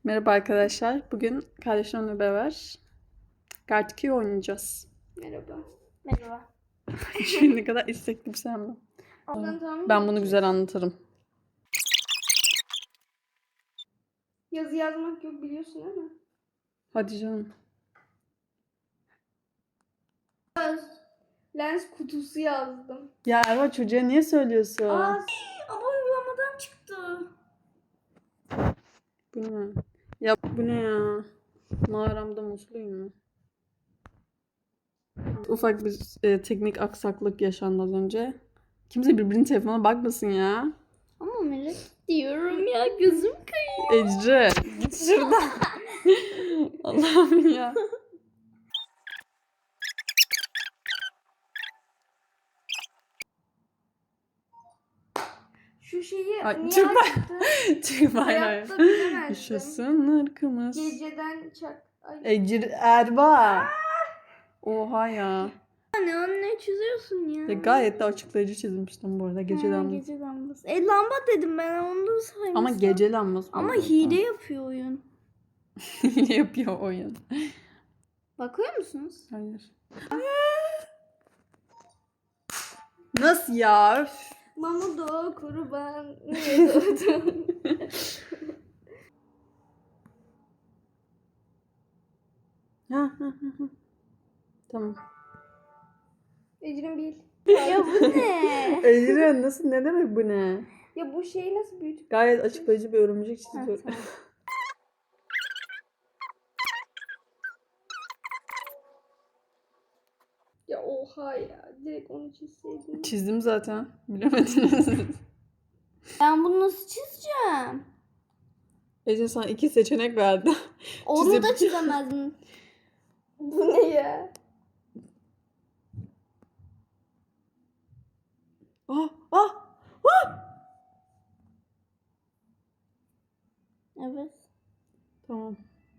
Merhaba arkadaşlar. Bugün kardeşimle beraber Kart 2 oynayacağız. Merhaba. Merhaba. Şimdi ne kadar istekli bir sen mi? Ben bunu güzel anlatırım. Yazı yazmak yok biliyorsun değil mi? Hadi canım. Lens kutusu yazdım. Ya Erva çocuğa niye söylüyorsun? Ama uygulamadan çıktı. Bu ne? Ya bu ne ya? Mağaramda musluyum mu? Ufak bir teknik aksaklık yaşandı az önce. Kimse birbirinin telefonuna bakmasın ya. Ama merak ediyorum ya, gözüm kayıyor. Ecre git şuradan. Allah'ım ya. Şu şeyi Ay, niye çıkma. açtın? Çıkma hayır. Hayatta bilemezdim. Yaşasın ırkımız. Geceden çak. Ay. Ecir Erba. Oha ya. Ne çiziyorsun ya? Ya gayet de açıklayıcı çizmiştim bu arada gece lambası. Gece lambası. Lamba dedim ben, onu da saymışsam. Ama gece lambası. Ama hile yapıyor oyun. Hile yapıyor oyun. Bakıyor musunuz? Hayır. Nasıl ya? Üf. Mamudo kurban niye doğdun? Ha. Tamam. Ecrin bil. Ya bu ne? Ecren nasıl, ne demek bu ne? Ya bu şeyi nasıl büyütüp... Gayet açıklayıcı bir örümcek çiziyor. Tamam. Ya oha ya. Direkt onu çizseydin. Çizdim zaten. Bilemediniz. Ben bunu nasıl çizeceğim? Ece sana 2 seçenek verdi. Onu da çizemezdim. Bu ne ya? Ah. Evet. Tamam.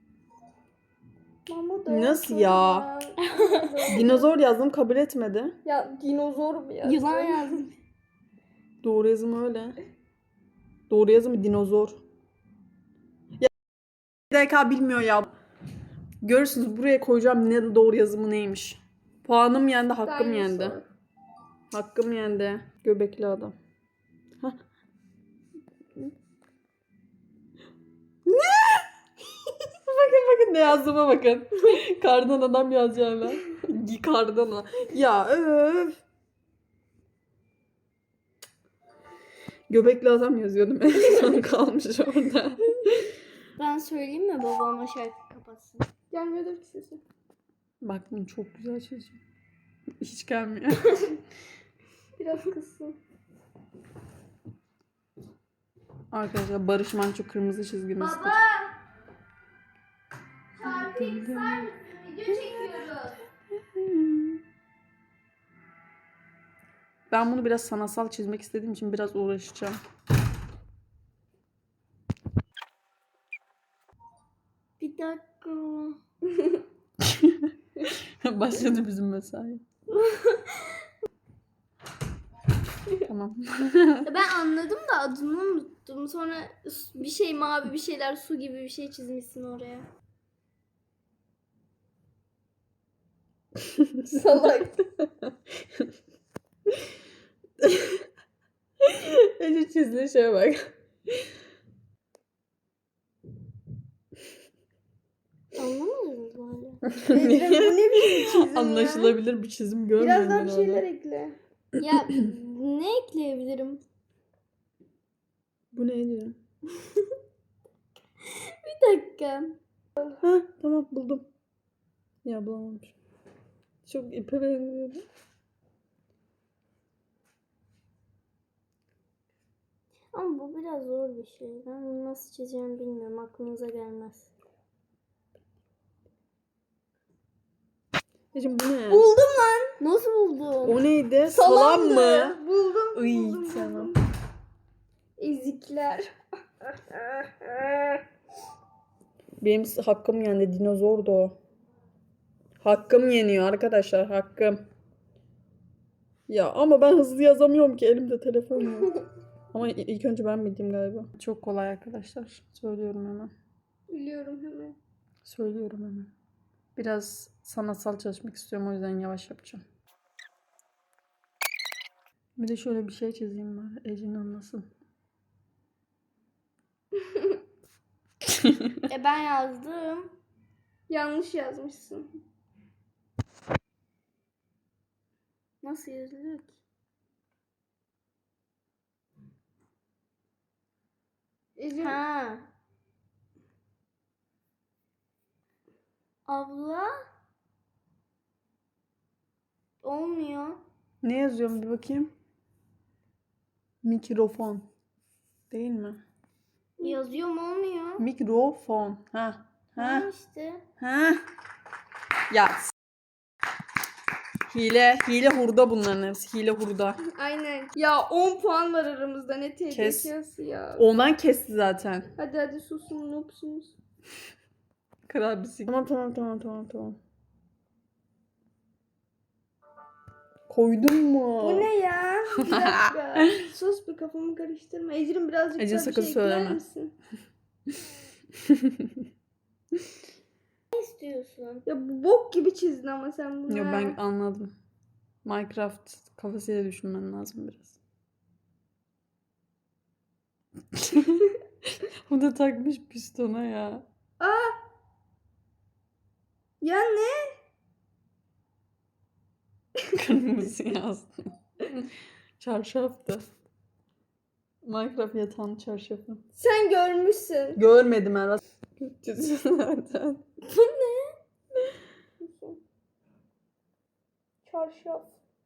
Mamudo Nasıl ya? kurban. Dinozor yazdım, kabul etmedi. Ya dinozor mu ya? Yılan yazdım. Doğru yazım öyle. Doğru yazımı dinozor. Ya DK bilmiyor ya. Görürsünüz, buraya koyacağım ne doğru yazımı neymiş. Puanım yendi, hakkım yendi. Dinosaur. Hakkım yendi. Göbekli adam. Hah. Ne? bakın ne yazdığıma bakın. Kardan adam yazacağım ben. Kardan adam. Ya öf. Göbekli adam yazıyordum. En son kalmış orada. Ben söyleyeyim mi babama şarkı kapatsın? Gelmiyordur ki sesi. Bak bunu çok güzel çizeceğim. Hiç gelmiyor. Biraz kızsın. Arkadaşlar Barış Manço kırmızı çizgimizdir. Baba! Şarkıyı kısar mısın? Video çekiyoruz. Ben bunu biraz sanatsal çizmek istediğim için biraz uğraşacağım. Bir dakika. Başladı bizim mesai. Tamam. Ben anladım da adını unuttum. Sonra bir şey mavi bir şeyler su gibi bir şey çizmişsin oraya. Salak. Ece çizdiği şeye bak. Anlamadınız mı hala? Bu ne biçim çizim Anlaşılabilir bir çizim görmüyorum Biraz daha ben bir orada. şeyler ekle. Ya ne ekleyebilirim? Bu ne diyor? Bir dakika. Ha tamam buldum. Ya bulamamışım. Çok ipe benziyordu. Ama bu biraz zor bir şey. Ben bunu nasıl çizeceğimi bilmiyorum. Aklınıza gelmez. Ece bu ne? Buldum lan. Nasıl buldun? O neydi? Salam mı? Buldum. Iy, buldum. tamam. Ezikler. Benim hakkım yendi. Dinozordu o. Hakkım yeniyor arkadaşlar. Hakkım. Ya ama ben hızlı yazamıyorum ki. Elimde telefon yok. Ama ilk önce ben bildim galiba. Çok kolay arkadaşlar. Söylüyorum hemen. Biliyorum hemen. Söylüyorum hemen. Biraz sanatsal çalışmak istiyorum, o yüzden yavaş yapacağım. Bir de şöyle bir şey çizeyim bari. Ecin anlasın. Ben yazdım. Yanlış yazmışsın. Nasıl yazılıyor ki? Ha. Abla. Olmuyor. Ne yazıyorum bir bakayım. Mikrofon. Değil mi? Yazıyorum olmuyor. Mikrofon. Ha. Ha Ha. işte. Ha. Ya. Hile hurda bunların hepsi. Hile hurda. Aynen. Ya 10 puan var aramızda. Ne Kes. tehlikesi ya. Ondan kesti zaten. Hadi susun noobsunuz. Kral bir Tamam. Koydun mu? Bu ne ya? Bir dakika. Sus bir kafamı karıştırma. Ecrin birazcık Ecrin daha bir sakın şey ekler söyleme. misin? Ne istiyorsun? Ya bu bok gibi çizdin ama sen bunu. Yo, ben ha. anladım. Minecraft kafasıyla düşünmen lazım biraz. O da takmış pistona ya. Ya ne? Kırmızı yazdım. Çarşaftı. Minecraft yatağın çarşafı. Sen görmüşsün. Görmedim Erva. Çiziyor zaten. Bu ne? Çarşaf.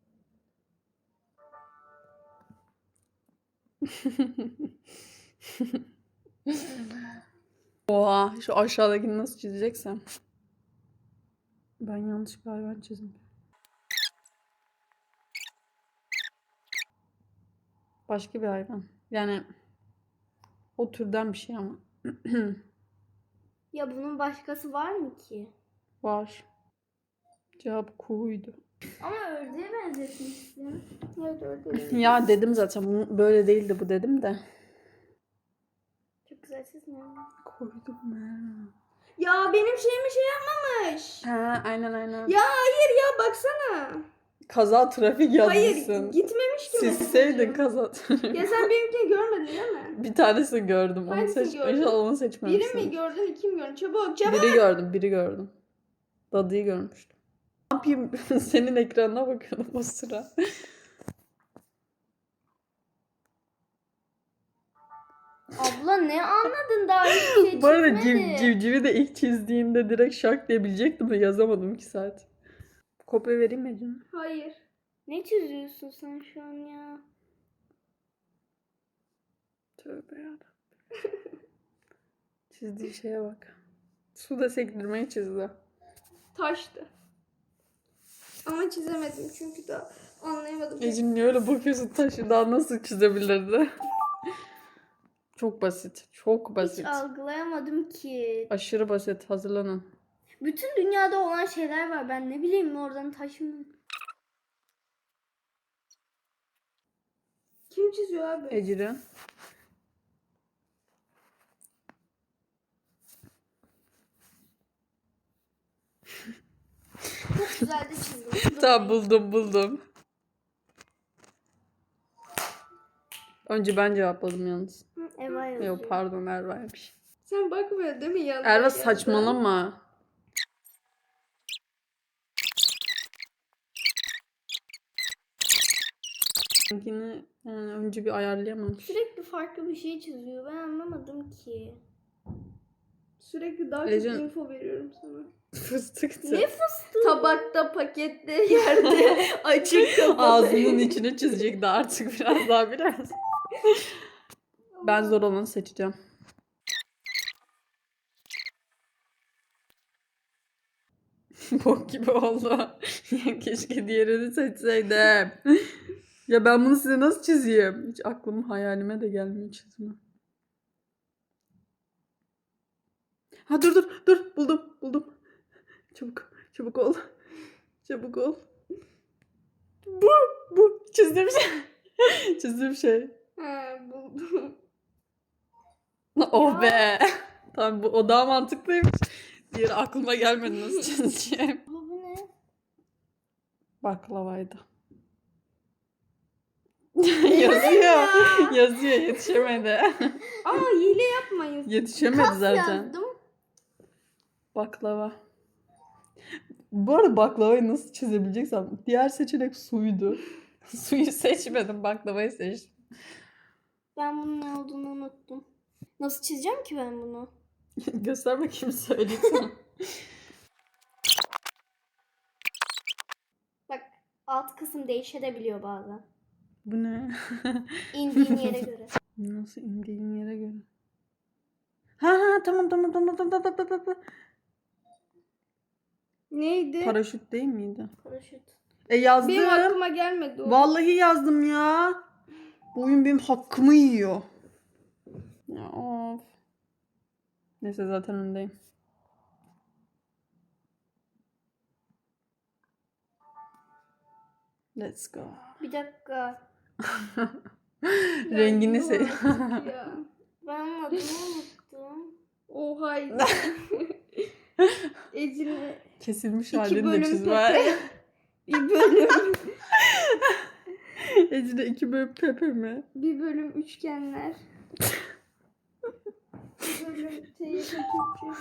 Oha, şu aşağıdakini nasıl çizeceksem. Ben yanlış bir hayvan çizdim. Başka bir hayvan. Yani o türden bir şey ama. Ya bunun başkası var mı ki? Var. Cevap kuğuydu. Ama ördeğe benzetmişsin. Evet ördeğe. Ya dedim zaten bu böyle değildi bu dedim de. Çok güzel çizmiyor. Koydum ben. Ya benim şeyimi şey yapmamış. Ha, aynen. Ya hayır ya baksana. Kaza trafik yazmışsın. Hayır gitmemiş ki. Silseydin mesajım. kaza trafik. Ya sen benimkini görmedin değil mi? Bir tanesini gördüm. Onu Hangisini seç. gördün? İnşallah onu Biri seçmemişsin. mi gördün, iki mi gördün? Çabuk. Biri gördüm. Dadıyı görmüştüm. Ne yapayım? Senin ekranına bakıyordum o sıra. Abla ne anladın daha hiçbir şey Bu arada çizmedi. civcivi de ilk çizdiğinde direkt şak diyebilecektim de yazamadım 2 saat. Kopya vereyim mi canım? Hayır. Ne çiziyorsun sen şu an ya? Tövbe yarabbim. Çizdiği şeye bak. Suda sektirmeyi çizdi. Taştı. Ama çizemedim çünkü daha anlayamadım. Ecim niye öyle bakıyorsun, taşı daha nasıl çizebilirdi? Çok basit. Çok Hiç basit. algılayamadım ki. Aşırı basit. Hazırlanın. Bütün dünyada olan şeyler var. Ben ne bileyim oradan taş mı? Kim çiziyor abi? Ecrin. Çok güzel de çizdim. Tamam buldum. Önce ben cevapladım yalnız. Eva yazıyor. Yok pardon, Erva'ymış. Sen bakmıyor değil mi yanına? Erva saçmalama. Seninkini yani önce bir ayarlayamamış. Sürekli farklı bir şey çiziyor. Ben anlamadım ki. Sürekli daha Ecin- çok info veriyorum sana. Fıstıktı. Ne fıstığı? Tabakta, pakette, yerde, açık kapalı. Ağzının içine çizecekti artık biraz. Ben zor olanı seçeceğim. Bok gibi oldu. Ya keşke diğerini seçseydim. Ya ben bunu size nasıl çizeyim? Hiç aklım hayalime de gelmiyor çizme. Ha dur buldum. Çabuk ol. Çabuk ol. Bu çizdiğim şey. Çizdiğim şey. Ha buldum. Oh be. Tamam o daha mantıklıymış. Diğeri aklıma gelmedi nasıl çizeceğim. Bu ne? Baklavaydı. Yazıyor. Yazıyor yetişemedi. Ama hile yapmayın. Yetişemedi Kas zaten. yazdım. Baklava. Bu arada baklavayı nasıl çizebileceksem diğer seçenek suydu. Suyu seçmedim, baklavayı seçtim. Ben bunun ne olduğunu unuttum. Nasıl çizeceğim ki ben bunu? Göster bakayım söyleyeyim sana. Bak alt kısım değişebiliyor bazen. Bu ne? İndiğin yere göre. Nasıl indiğin yere göre? Ha tamam. Neydi? Paraşüt değil miydi? Paraşüt. Yazdım. Benim aklıma gelmedi o. Vallahi yazdım ya. Bu oyun benim hakkımı yiyor. Ya of. Neyse zaten öndeyim. Let's go. Bir dakika. Rengini yuh seç. artık ya. Ben onun adını unuttum. Oha. Ecine Kesilmiş 2 halini de bölüm çiz Pepe. var. Bir bölüm. Ecine 2 bölüm Pepe mi? Bir bölüm üçgenler. Bir bölüm TYT Türkçe.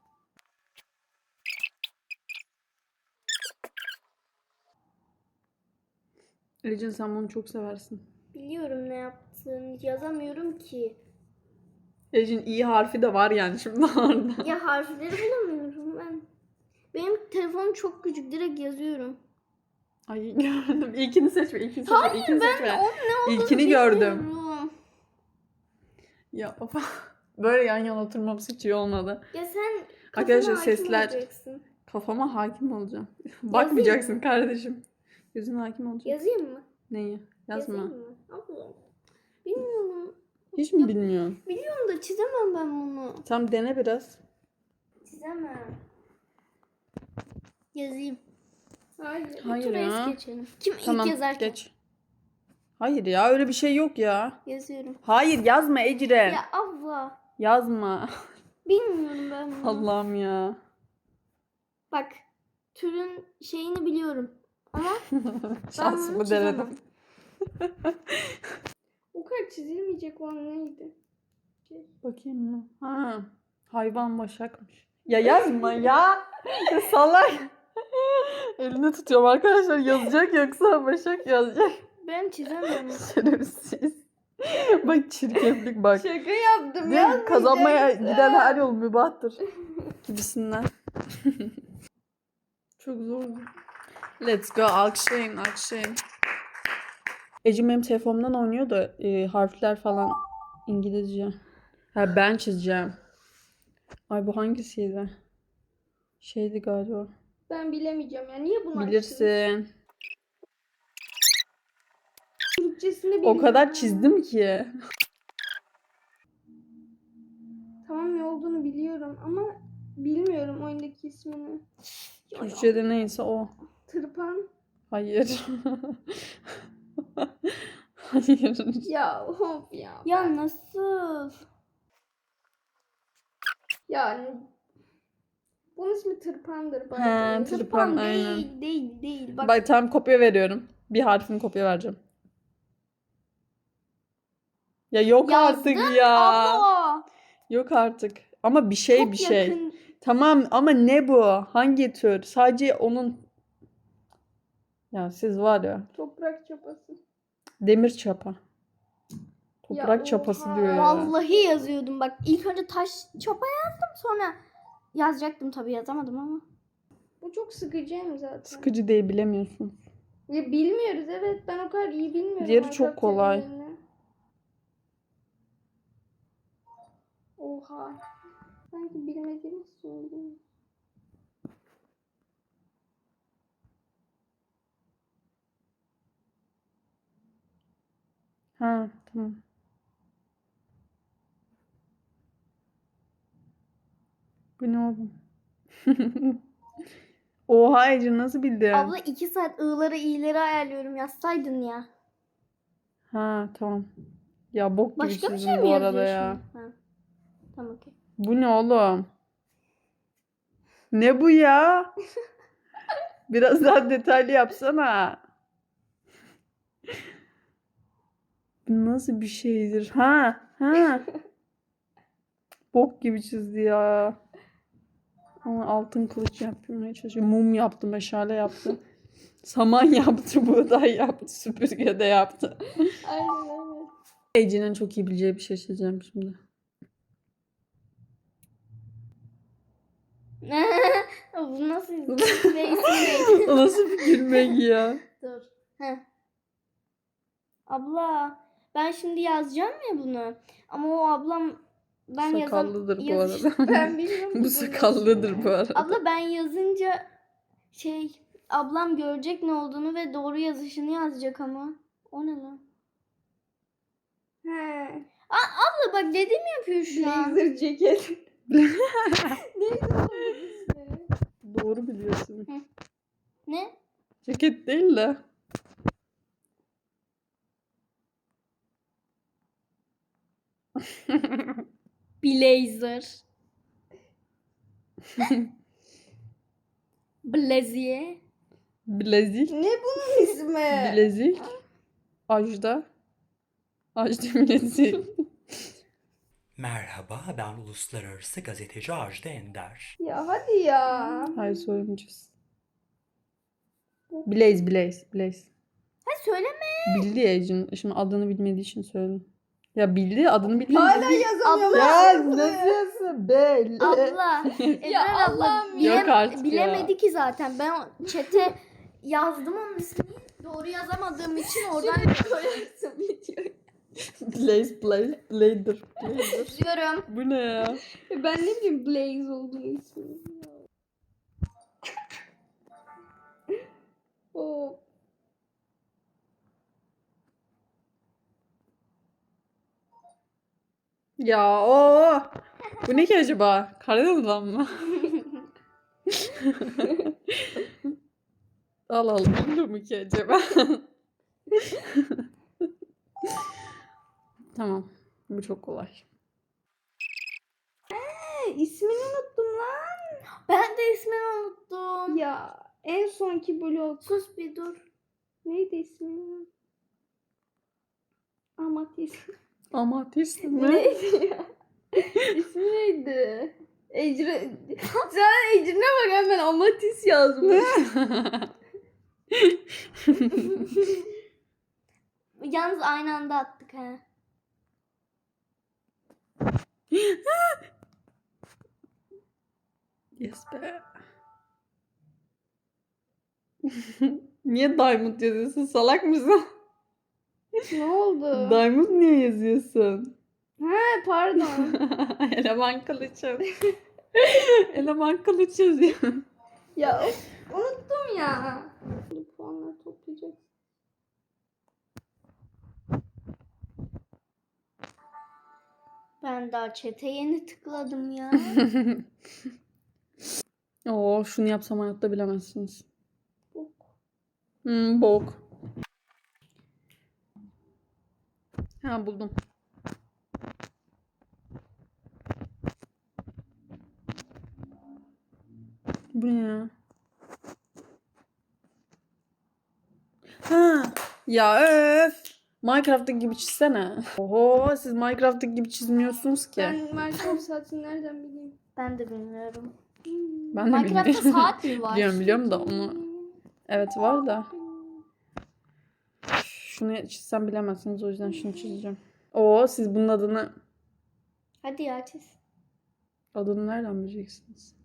Ecin sen bunu çok seversin. Biliyorum ne yaptığını. Yazamıyorum ki. Ecin iyi harfi de var yani şimdi orada. Ya harfleri bulamıyorum ben. Benim telefonum çok küçük. Direkt yazıyorum. Ay gördüm. İlkini seçme. İlkini seçme. Hayır İlkini ben seçme. onun ne olduğunu İlkini gördüm. bilmiyorum. Ya of. Böyle yan yana oturmamız hiç iyi olmadı. Ya sen Arkadaşlar kafana hakim sesler. olacaksın. Kafama hakim olacağım. Bakmayacaksın kardeşim. Gözüne hakim olacaksın. Yazayım mı? Neyi? Yazma. Yazayım mı? Abla. Bilmiyorum. Hiç mi bilmiyorsun? Biliyorum da çizemem ben bunu. Tam dene biraz. Çizemem. Yazayım. Hayır. Hayır Hayır ya. geçelim. Kim Tamam ilk yazarken? geç. Hayır ya öyle bir şey yok ya. Yazıyorum. Hayır yazma Ecren. Ya abla. Yazma. Bilmiyorum ben bunu. Allah'ım ya. Bak. Türün şeyini biliyorum. Ama Şansımı bunu çizemem. denedim. o kadar çizilmeyecek olan neydi? Bakayım mı? Ha. Hayvan başakmış. Ya yazma ya. Ya salak. Elini tutuyorum arkadaşlar. Yazacak yoksa başak yazacak. Ben çizemem. Şerefsiz. Bak çirkeflik bak. Şaka yaptım Değil mi? ya. Kazanmaya giden her yol mübahtır. Gibisinden. Çok zor. Let's go. Alkışlayın, alkışlayın. Ecim benim telefonumdan oynuyor da harfler falan İngilizce. Ha ben çizeceğim. Ay bu hangisiydi? Şeydi galiba. Ben bilemeyeceğim ya. Niye bunu açtın? Bilirsin. Türkçesini O bilmiyorum. kadar çizdim ki. Tamam ne olduğunu biliyorum ama bilmiyorum oyundaki ismini. Türkçe'de neyse o. Tırpan. Hayır. Hayır. Ya hop ya. Ya nasıl? Yani bunun ismi tırpandır. He, tırpan, aynen. Değil. Bak, Bak tam kopya veriyorum. Bir harfini kopya vereceğim. Ya yok yazdın artık ya. abla. Yok artık. Ama bir şey Çok bir şey. yakın. Tamam ama ne bu? Hangi tür? Sadece onun... Ya siz var ya. Toprak çapası. Demir çapa. Toprak Ya çapası oha. diyor ya. Vallahi yazıyordum bak. İlk önce taş çapa yazdım sonra yazacaktım tabii yazamadım ama. Bu çok sıkıcı zaten. Sıkıcı değil bilemiyorsun. Ya bilmiyoruz evet ben o kadar iyi bilmiyorum. Diğeri çok kolay. terimlerini. Oha. Sanki bilmediğimiz söyledim. Ha tamam. Bu ne oğlum? Oha Ece nasıl bildin? Abla 2 saat ı'ları i'leri ayarlıyorum yazsaydın ya. Ha tamam. Ya bok gibi Başka bir çizdim şey mi bu arada yazıyor ya. şimdi? Ha. Tamam okey. Bu ne oğlum? Ne bu ya? Biraz daha detaylı yapsana. Bu nasıl bir şeydir? Ha. Bok gibi çizdi ya. Ama altın kılıç yapmaya çalışıyor. Mum yaptı, meşale yaptı. Saman yaptı, buğday yaptı, süpürge de yaptı. Aynen. Ece'nin çok iyi bileceği bir şey çizeceğim şimdi. Bu nasıl ve ismi neydi? O nasıl bir gülmek ya? Dur. Heh. Abla ben şimdi yazacağım ya bunu. Ama o ablam ben Sakallıdır bu arada. Ben bilmiyorum ki Bu bunun sakallıdır ismini. bu arada. Abla ben yazınca ablam görecek ne olduğunu ve doğru yazışını yazacak ama. O ne lan? He. Abla bak dedim yapıyor şu an. Blazer ceket. Neydi onun ismi? Doğru biliyorsun. Ne? Ceket değil de. Blazer. Blazier. Bilezik. Ne bunun ismi? Bilezik. Ajda. Ajda bilezik. Merhaba, ben uluslararası gazeteci Ajda Ender. Ya hadi ya. Hayır söylemeyeceğiz. Blaze. Ha söyleme. Bildi ya Ece'nin. Şimdi adını bilmediği için söyledim. Ya bildi adını bilmedi. Hala yazamıyorum. Ya nasıl yazsın? Bel. Abla. Eder abla Allah'ım ya. Yok artık bilemedi ya. ki zaten. Ben o chat'e yazdım onun ismini. Doğru yazamadığım için oradan Koyarsın videoyu. Blazer. yazıyorum. Bu ne ya? Ben ne bileyim Blaze olduğunu ismini. Oh. Ya o. Bu ne ki acaba? Karadeniz'den mı? Al bu mu ki acaba? Tamam. Bu çok kolay. İsmini unuttum lan. Ben de ismini unuttum. Ya en sonki blog. Sus bir dur. Neydi ismi? Amatist. Amatist mi? Neydi ya? İsmi neydi? Ecre. Sen Ecrin'e bak hemen Amatist yazmış. Yalnız aynı anda attık ha. Yes be. Niye Diamond yazıyorsun? Salak mısın? Ne oldu? Diamond niye yazıyorsun? He pardon. Eleman kılıçım. Eleman kılıç yazıyor. Ya of, unuttum ya. Bu puanları toplayacak. Ben daha chat'e yeni tıkladım ya. Oo, şunu yapsam hayatta bilemezsiniz. Bok. Bok. Ha buldum. Bu ne ya? Ha. Ya öf. Minecraft'taki gibi çizsene. Oho siz Minecraft'taki gibi çizmiyorsunuz ki. Ben Minecraft saatini nereden bileyim? Ben de bilmiyorum. Ben de Minecraft'ta bilmiyorum. saat mi var? Biliyorum da onu. Evet var da. Şunu çizsem bilemezsiniz o yüzden şunu çizeceğim. Oo siz bunun Hadi ya çiz. adını nereden bileceksiniz?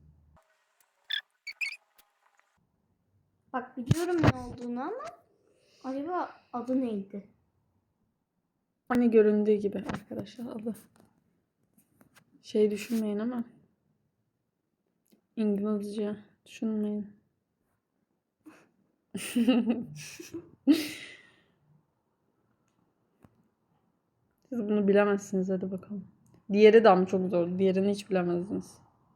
Bak biliyorum ne olduğunu ama acaba adı neydi? Hani göründüğü gibi arkadaşlar adı. Şey düşünmeyin ama. İngilizce düşünmeyin. Siz bunu bilemezsiniz hadi bakalım. Diğeri de ama çok zor. Diğerini hiç bilemezdiniz.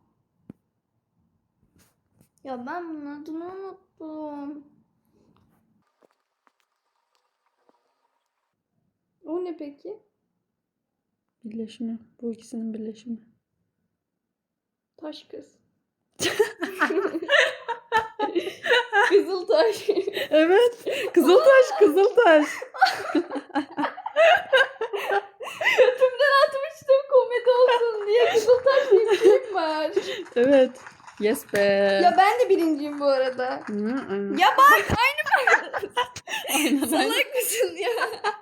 Ya ben bunun adını unuttum. O ne peki? Birleşimi. Bu ikisinin birleşimi. Taş kız. Kızıltaş. Evet. Kızıltaş, Kızıltaş. Götümden atmıştım komedi olsun diye. Kızıltaş diye bir film var. Evet. Yes be. Ya ben de birinciyim bu arada. Hı, aynen. Ya bak aynı Aynen. salak mısın ya?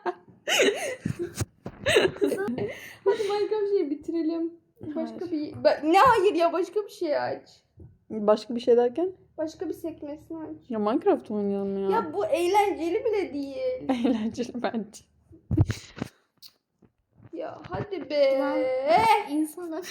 Hadi Minecraft şeyi bitirelim. Başka Hayır. bir... Ne hayır ya başka bir şey aç. Başka bir şey derken? Başka bir sekmesini aç. Ya Minecraft oynayalım ya. Ya bu eğlenceli bile değil. Eğlenceli bence. Ya hadi be. Lan. İnsanlar.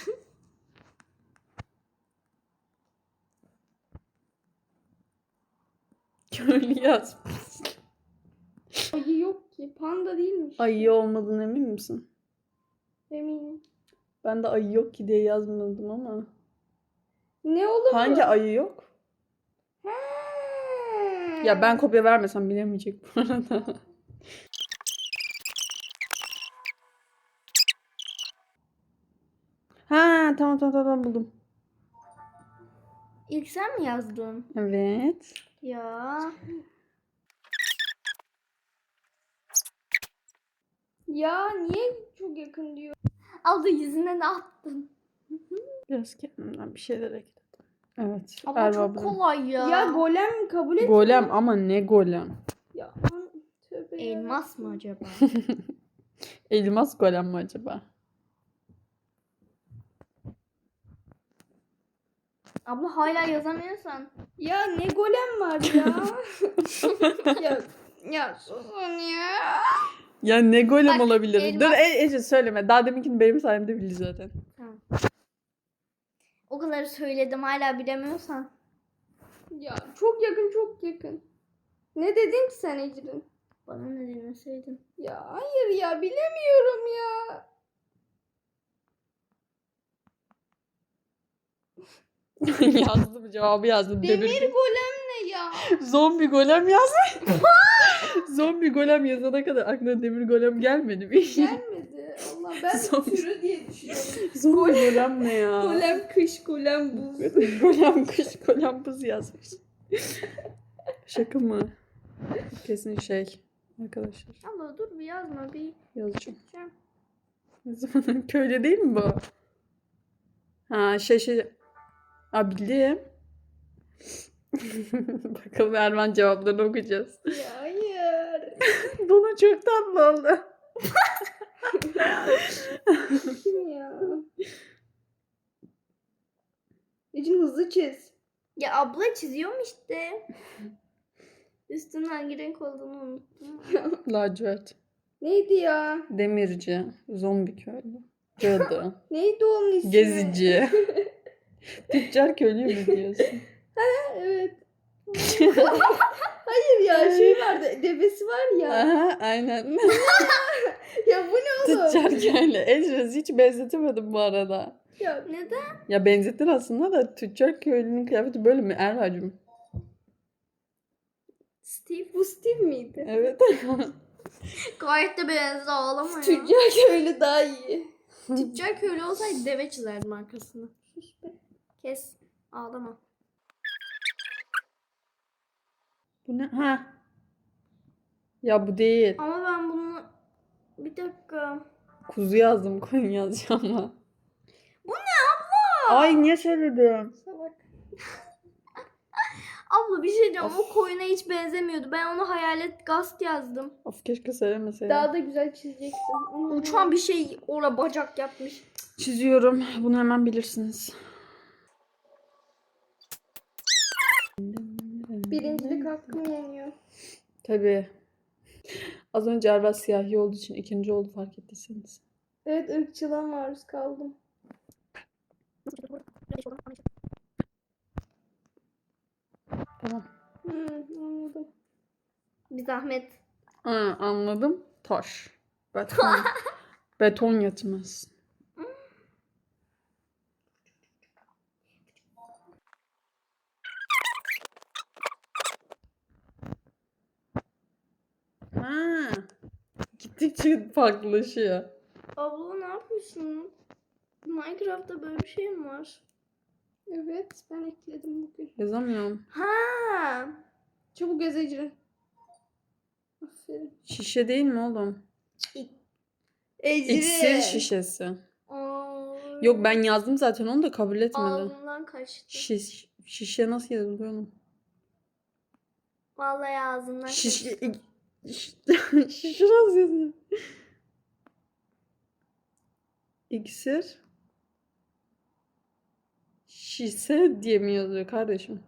Köylü yaz. Ayı yok ki. Panda değilmiş. Ayı olmadığına emin misin? Eminim. Ben de ayı yok ki diye yazmadım ama. Ne olur Hangi ayı yok? He. Ya ben kopya vermesem bilemeyecek bu arada. Ha tamam buldum. İlk sen mi yazdın? Evet. Ya. Ya niye çok yakın diyor? Abla yüzüne ne attın? Biraz kendimden bir şeyler ekledim. Evet. Ama Erva çok abla. kolay ya. Ya golem kabul et. Golem ama ne golem? Ya tövbe Elmas mı acaba? Elmas golem mi acaba? Abla hala yazamıyorsan. Ya ne golem var ya? ya susun ya. Ya ne golem Bak, olabilir? elmas- Dur Ece söyleme. Daha deminkini benim sayemde bildi zaten. O kadar söyledim hala bilemiyorsan. Ya çok yakın çok yakın. Ne dedin ki sen Ecrin? Bana ne demeseydin. Ya hayır ya bilemiyorum ya. Yazdım cevabı yazdım. Demir golem ne ya? Zombi golem yazmış. Zombi golem yazana kadar aklına demir golem gelmedi mi? Gelmedi. Allah ben Zombi. türü diye düşünüyorum. Zombi golem ne ya? Golem kış golem buz. Golem kış golem buz yazmış. Şaka mı? Kesin şey. Arkadaşlar Abla dur bir yazma bir. yazacağım. Çekeceğim. Ne zaman köylü değil mi bu? Ha şey. Aa bildim. Bakalım Erman cevaplarını okuyacağız. Ya hayır. Bana çok tatlı oldu. Kim ya? Ecrin hızlı çiz. Ya abla çiziyorum işte. Üstünün hangi renk olduğunu unuttum. Lacivert. Neydi ya? Demirci. Zombi köylü. Cadı. Neydi onun ismi? Gezici. Tüccar köylü mü diyorsun? Evet. Hayır ya şey vardı. Devesi var ya. Aha, aynen. Ya bu ne oğlum? Tüccar köylü. Ecrüz hiç benzetemedim bu arada. Ya Neden? Ya benzettin aslında da tüccar köylünün kıyafeti böyle mi Erva'cığım? Steve. bu Steve miydi? Evet. Gayet de benziyor ağlama ya. Tüccar köylü daha iyi. Tüccar köylü olsaydı deve çizerdim arkasını. Kes. Ağlama. Bu ne? Ha. Ya bu değil. Ama ben bunu... Bir dakika. Kuzu yazdım koyun yazacağım ama. Bu ne abla? Ay niye söyledim? Salak. Abla bir şey diyeceğim. O koyuna hiç benzemiyordu. Ben onu hayalet gast yazdım. Of keşke söylemeseydim. Daha da güzel çizeceksin. Uçan bir şey orada bacak yapmış. Çiziyorum. Bunu hemen bilirsiniz. Birincilik hakkım yeniyor. Tabii. Az önce Erva siyahi olduğu için ikinci oldu fark ettiyseniz. Evet ırkçılığa maruz kaldım. Tamam. Anladım. Bir zahmet. Ha, anladım. Taş. Beton. Beton yetmez. Ha. Gittikçe farklılaşıyor. Abla ne yapıyorsun? Minecraft'ta böyle bir şey mi var? Evet ben ekledim bugün. Yazamıyorum. Ha. Çabuk yaz Ecrin. Aferin. Şişe değil mi oğlum? Ecrin. İksir şişesi. Aa, Yok ben yazdım zaten onu da kabul etmedi. ağzımdan kaçtı. Şişe nasıl yazılıyor oğlum? Vallahi ağzımdan kaçtı. Şişe nasıl yazılıyor? İksir şişe diye mi yazıyor kardeşim?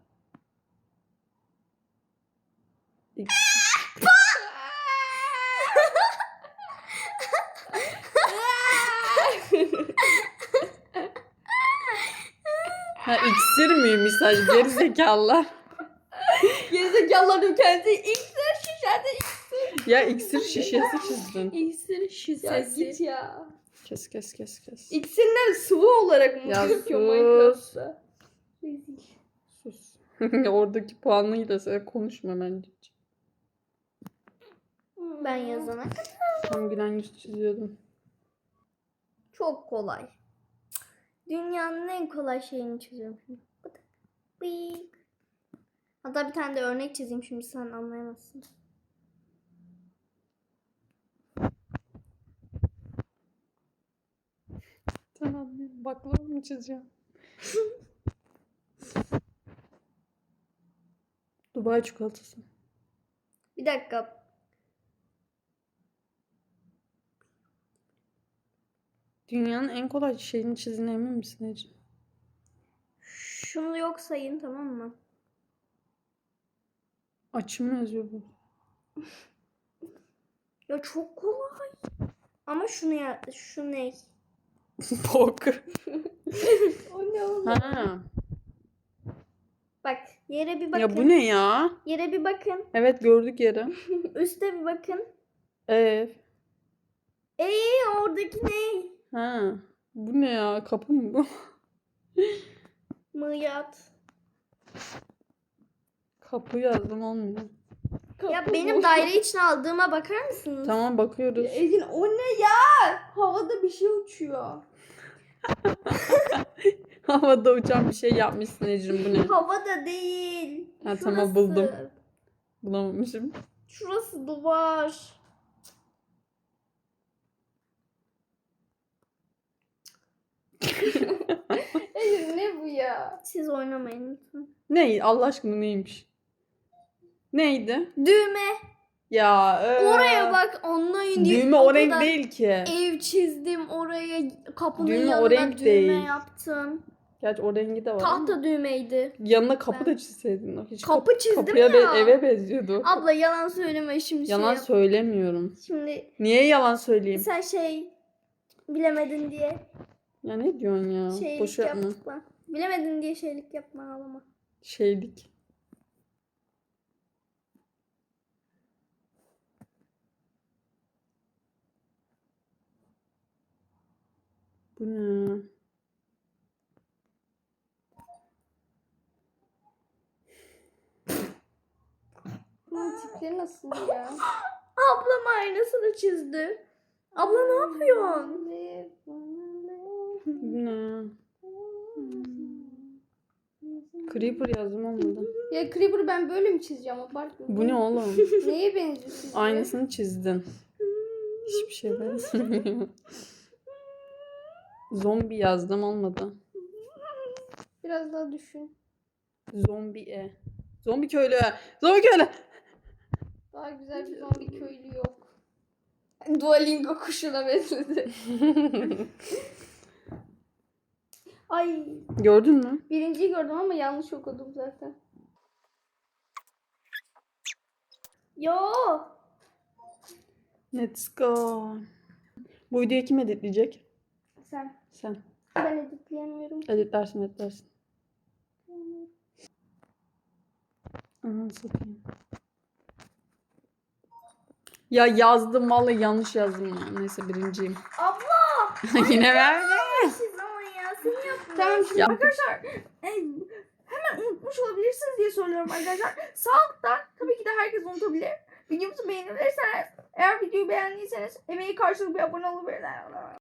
Ha iksir miymiş sadece gerizekalılar. Gerizekalıların kendisi iksir şişesi. Ya iksir şişesi çizdin. İksir Ya şişesi. git ya. Kes. İksirler sıvı olarak mı Ya gözüküyor sus. Minecraft'ta? Sus. Oradaki puanıyla sen konuşma bence. Ben yazana. Tam gülen yüz çiziyordum. Çok kolay. Dünyanın en kolay şeyini çiziyorum şimdi. Bıdık, bıyık. Hatta bir tane de örnek çizeyim şimdi sen anlayamazsın. Tamam baklava mı çizeceğim? Dubai çikolatası. Bir dakika. Dünyanın en kolay şeyini çizdiğine emin misin Ece? Şunu yok sayın tamam mı? Açı mı yazıyor bu? Ya çok kolay. Ama şunu ya şu ne? Bok. O ne oğlum? Ha. Bak yere bir bakın. Ya bu ne ya? Yere bir bakın. Evet gördük yeri. Üste bir bakın. Ev. Oradaki ne? Ha. Bu ne ya? Kapı mı bu? Mıyat. Kapı yazdım olmuyor. Ya benim daire içine aldığıma bakar mısınız? Tamam bakıyoruz. Ecrin o ne ya? Havada bir şey uçuyor. Havada uçan bir şey yapmışsın Ecrin bu ne? Havada değil. Ha, tamam, buldum. Şurası. Bulamamışım. Şurası duvar. Ecrin ne bu ya? Siz oynamayın lütfen. Ne? Allah aşkına neymiş? Neydi? Düğme. Ya Oraya bak online diye Düğme o o renk kadar değil ki. ev çizdim oraya kapının Düğme o yanına renk düğme değil. yaptım. Gerçi o rengi de var ama. Tahta düğmeydi. Yanına kapı Ben- da çizseydin. Hiç Kapı çizdim kapıya ya. eve benziyordu. Abla yalan söyleme şimdi Yalan şey. söylemiyorum. Şimdi Niye yalan söyleyeyim? sen şey bilemedin diye Ya ne diyorsun ya? şeylik Boş yapma. yapma. Bilemedin diye şeylik yapma ağlama. Şeylik. Bu ne? Bunun tipleri nasıl ya? Ablam aynasını çizdi. Abla ne yapıyorsun? Bu ne? Creeper yazdım olmadı. Ya Creeper'ı ben böyle mi çizeceğim? Abartma. Bu ne oğlum? Neye benziyor sizce? Aynısını çizdin. Hiçbir şey benzemiyor. Zombi yazdım olmadı. Biraz daha düşün. Zombi. Zombi köylü. Zombi köylü. Daha güzel bir zombi köylü yok. Duolingo kuşuna benzedi. Ay, Gördün mü? birinciyi gördüm ama yanlış okudum zaten. Yo. Let's go. Bu videoyu kim editleyecek? Sen. Sen. Ben editleyemiyorum. Editlersin. Ananı satayım. Ya yazdım vallahi yanlış yazdım ya. Neyse birinciyim. Abla. Yine verdi. Siz ama ya sen yapma. Tamam şimdi Ya. arkadaşlar hemen unutmuş olabilirsiniz diye söylüyorum arkadaşlar. Sağlıktan tabii ki de herkes unutabilir. Videomuzu beğenirseniz, eğer videoyu beğendiyseniz emeği karşılığı bir abone olabilirler.